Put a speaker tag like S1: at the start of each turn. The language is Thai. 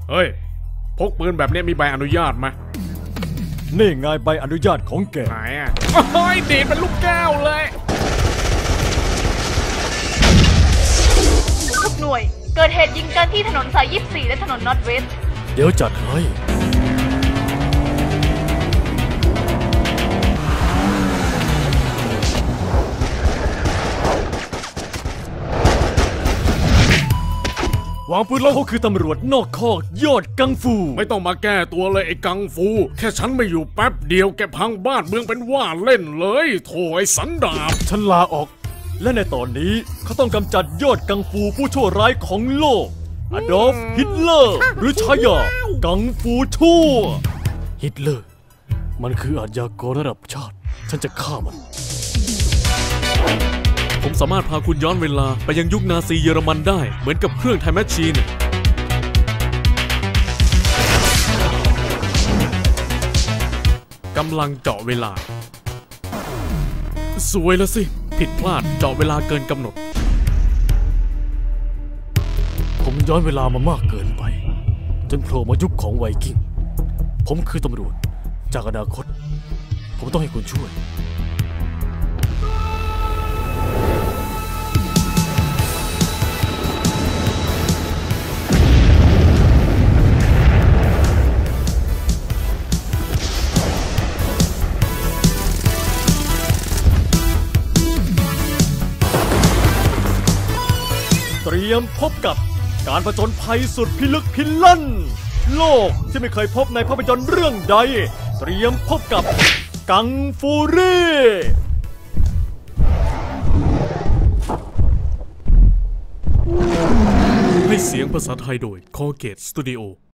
S1: เฮ้ยพกปืนแบบนี้มีใบอนุญาตไหม
S2: นี่ไงใบอนุญาตของแก
S1: ไหนอ่ะโอ้ยดีดเป็นลูกแก้วเลย
S3: ทุกหน่วยเกิดเหตุยิงกันที่ถนนสาย 24 และถนนนอร์ทเวสต์
S2: เดี๋ยวจัดให้วางปืนแล้วเขาคือตำรวจนอกคอกยอดกังฟู
S1: ไม่ต้องมาแก้ตัวเลยไอ้กังฟูแค่ฉันไม่อยู่แป๊บเดียวแกพังบ้านเมืองเป็นว่าเล่นเลยโถไอ้สันดาบ
S2: ฉันลาออกและในตอนนี้เขาต้องกำจัดยอดกังฟูผู้ชั่วร้ายของโลกอดอล์ฟฮิตเลอร์หรือชายากังฟูชั่วฮิตเลอร์มันคืออาชญากรระดับชาติฉันจะฆ่ามัน
S4: ผมสามารถพาคุณย้อนเวลาไปยังยุคนาซีเยอรมันได้เหมือนกับเครื่องไทม์แมชชีนกำลังเจาะเวลาสวยแล้วสิผิดพลาดเจาะเวลาเกินกำหนด
S2: ผมย้อนเวลามามากเกินไปจนโผล่มายุคของไวกิ้งผมคือตำรวจจากอนาคตผมต้องให้คุณช่วยเตรียมพบกับการผจญภัยสุดพิลึกพิลั่นโลกที่ไม่เคยพบในภาพยนตร์เรื่องใดเตรียมพบกับกังฟูรี่
S4: ให้เสียงภาษาไทยโดย Colgate Studio